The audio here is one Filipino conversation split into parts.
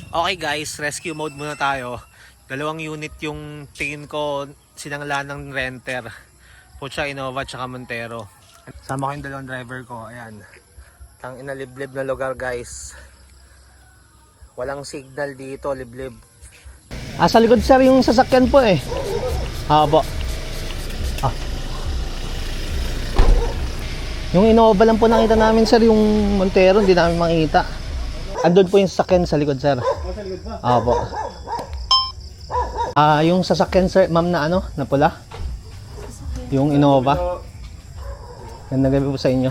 Okay guys, rescue mode muna tayo. Dalawang unit yung tingin ko sinangla ng renter. Pucha, Innova tsaka Montero. Sama ko yung dalawang driver ko. Ayan. Tang inaliblib na lugar guys. Walang signal dito, liblib. Sa likod sir yung sasakyan po eh. Po. Yung Innova lang po nakita namin sir, yung Montero hindi namin makita. Andun po yung sasakyan sa likod sir. Sa likod ba? Po. Yung sasakyan sir, ma'am na ano, na pula. Yung Innova. Gandang gabi po sa inyo.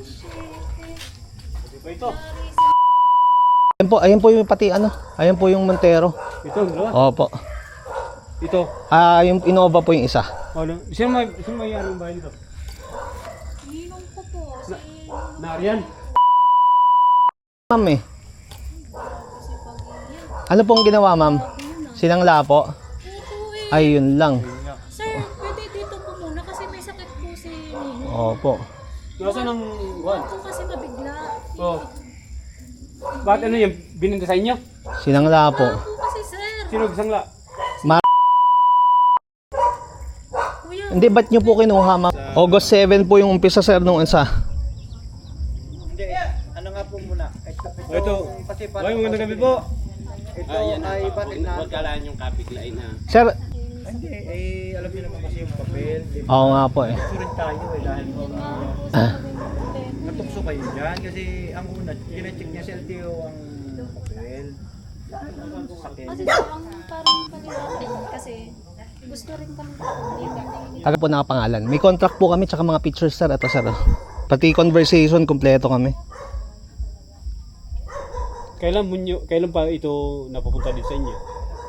Ito. Ayan po yung pati ano, ayan po yung Montero. Ito, dalawa? Opo. Ito. Yung Innova po yung isa. Ano? Sino may anong bahay nito? Ninong ko po. Si Nariyan. Ma'am Ano pong ginawa ma'am? Sinangla po? Ay yun lang. Sir, pwede dito po muna kasi may sakit po si Ninong. Opo. Nasaan ang buwan? Po kasi mabigla. Oo. Bakit ano yung bininda sa inyo? Sinangla po. Po kasi sir. Sino gisangla? Kuya, Hindi, ba't nyo po kinuha ma'am? August 7 po yung umpisa sir nung isa. Hindi, ano nga po muna. Ito. Kasi Ay, magandang gabi po. ito ay batid na. Wagkalaan yung kapiglain na. Sir, Hindi, alam niyo naman kasi yung papel. oo nga po eh. Gusto rin tayo dahil Ah. natukso kayo dyan. Kasi ang una, kina-check niya sa LTO ang papel. Sakit. kasi sir, ang parang paliwanag kasi gusto rin kami pakaulit. Taga po nakapangalan. May contract po kami tsaka mga pictures sir. Ito sir. Pati conversation, kompleto kami. Kailan pa ito napapunta din sa inyo?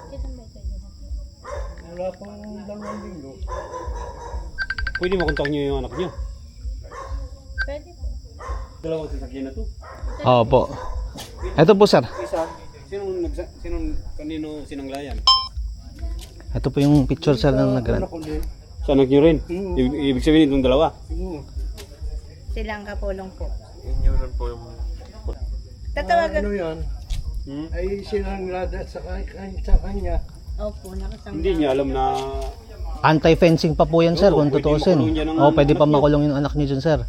Wala pang 2 linggo. Pwede makontak niyo yung anak niyo. Pwede po. Dalawang sasakyan na to. Opo. Ito po sir. Isa, kanino sinanglayan? Ito po yung picture sir ng nag-rent. Sa anak niyo rin? Ibig sabihin itong dalawa? Silang kapulong po. Inyo rin po yung... Tatawagan. Ano yan? Ay sinanglada sa kanya. Opo, nakasama. Hindi niya alam na... Anti-fencing pa po yan sir kung Pwede tutuusin. makulong yan ang Pwede pa anak niyo. makulong yung anak niyo dyan sir.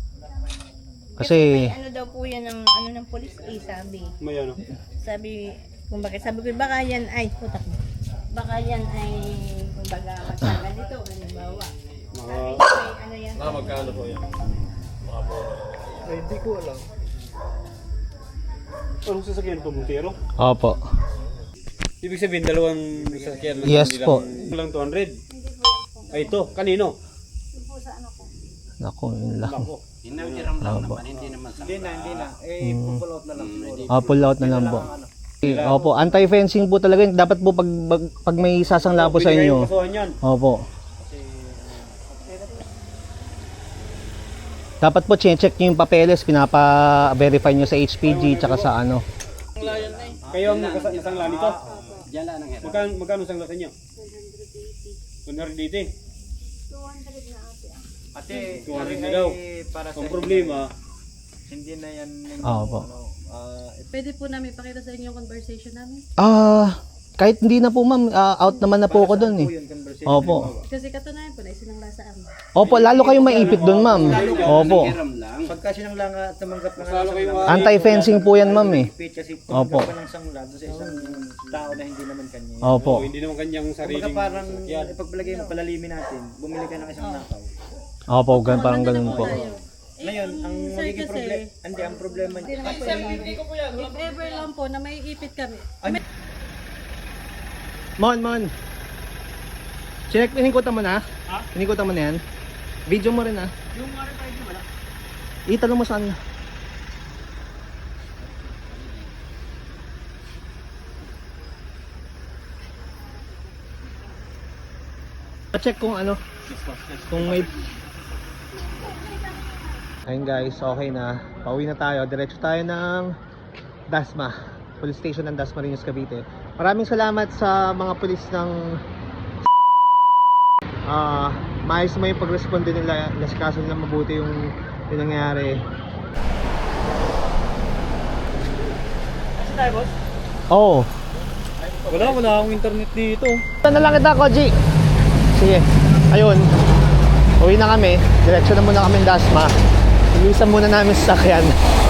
Kasi, Ano daw po yan ng ano ng pulis sabi. May ano? Sabi, sabi ko baka yan ay putak mo. Baka yan ay kumbaga magtagal dito, halimbawa. Mga... Ay, ano yan? magkano po yan? Ay, hindi ko alam. Anong sasakyan to, Montero? opo. Ibig sabihin, dalawang sasakyan lang. Yes hindi po. Lang 200. Ay, ito. Kanino? Naku, yun lang. Ako. Hinawiram lang Opo. naman, hindi naman sa... Hindi na. Pull out na lang siguro. Pull out na lang po. Opo, anti-fencing po talaga. Dapat po pag may sasangla po sa Pwede kayong inyo. kasuhan yan. Opo. Dapat po check nyo yung papeles, pinapa-verify nyo sa HPG tsaka sa ano. Kayo ang nasangla nito. Diyan lang ang hirap. Magkano sangla sa inyo? 180. 200 na ate. Ate, 200 na daw. para sa Ang problema, hindi na yan yung Opo. Pwede po namin pakita sa inyo yung conversation namin. Kahit hindi na po ma'am, out naman na po ako doon eh. yung conversation. Opo. Kasi katunayan po na isinangla sa amin. Opo, lalo kayong maipit doon ma'am. Opo. Hiram lang. Pagka sinangla nga at tumanggap na Lalo kayo sangla, Anti-fencing po yan ma'am eh. ipit kasi Opo. tumanggap ka ng sangla doon sa isang tao na hindi naman kanya. Opo. hindi naman kanyang Kumbaga sariling parang sasakyan. ipagpalagay mo, palalimin natin, bumili ka ng isang nakaw. Opo, parang ganun po. Ngayon, ang Sir, magiging kasi- problema, hindi, ang problema Hindi naman po if ever lang po na may ipit kami. Mon. Check, inikutan mo na? Ha? Inikutan mo na yan? Video mo rin ah. Yung RFID wala. Itanong mo saan. Check kung ano. Kung may... Ayun guys, okay na. Pauwi na tayo. Diretso tayo ng Dasma. Police Station ng Dasmariñas, Cavite. Maraming salamat sa mga pulis ng maayos mo yung pag-responde nila, nasikaso nila mabuti yung nangyari. Kasi tayo, boss? Oo. Wala akong internet dito. Na lang kita, Koji. Sige. Ayun. Uwi na kami. Diretso na muna kami ng Dasma. Ilisan muna namin sa sakyan.